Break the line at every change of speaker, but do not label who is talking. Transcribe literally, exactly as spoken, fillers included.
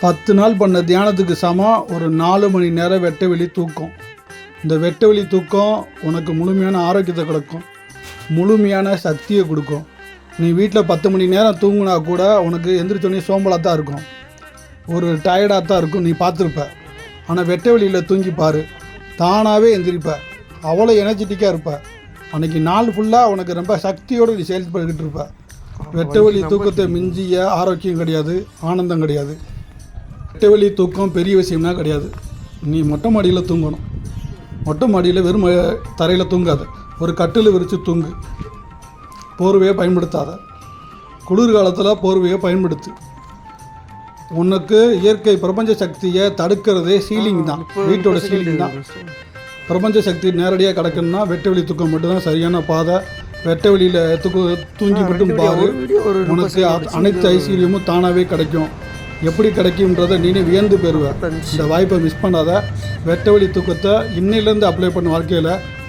பத்து நாள் பண்ண தியானத்துக்கு சமம் ஒரு நாலு மணி நேரம் வெட்ட வெளி தூக்கம். இந்த வெட்ட வெளி தூக்கம் உனக்கு முழுமையான ஆரோக்கியத்தை கொடுக்கும், முழுமையான சக்தியை கொடுக்கும். நீ வீட்டில் பத்து மணி நேரம் தூங்கினா கூட உனக்கு எந்திரிச்சோடனே சோம்பலாக தான் இருக்கும், ஒரு டயர்டாக தான் இருக்கும், நீ பார்த்துருப்ப. ஆனால் வெட்ட வெளியில் தூங்கி பாரு, தானாகவே எந்திரிப்ப, அவ்வளோ எனர்ஜெட்டிக்காக இருப்ப. அன்றைக்கி நாள் ஃபுல்லாக உனக்கு ரொம்ப சக்தியோடு நீ செயல்பட்டுக்கிட்டு இருப்ப. வெட்ட வெளி தூக்கத்தை மிஞ்சிய ஆரோக்கியம் கிடையாது, ஆனந்தம் கிடையாது. வெட்ட வெளி தூக்கம் பெரிய விஷயம்னா கிடையாது. நீ மொட்டை மாடியில் தூங்கணும். மொட்டை மாடியில் வெறும் தரையில் தூங்காத, ஒரு கட்டில் விரித்து தூங்கு. போர்வையை பயன்படுத்தாத. குளிர்காலத்தில் போர்வையை பயன்படுத்து. உனக்கு இயற்கை பிரபஞ்ச சக்தியை தடுக்கிறதே சீலிங் தான், வீட்டோட சீலிங் தான். பிரபஞ்ச சக்தி நேரடியாக கிடக்கணும்னா வெட்ட வெளி தூக்கம் மட்டும்தான் சரியான பாதை. வெட்ட வெளியில் தூக்கு தூங்கி மட்டும் பாரு, உனக்கு அனைத்து ஐஸ்வர்யமும் தானாகவே கிடைக்கும். எப்படி கிடைக்கும்ன்றதை நீனே வியந்து பெறுவேன். இந்த வாய்ப்பை மிஸ் பண்ணாத. வெட்ட வெளி தூக்கத்தை இன்னையிலேருந்து அப்ளை பண்ண வாழ்க்கையில்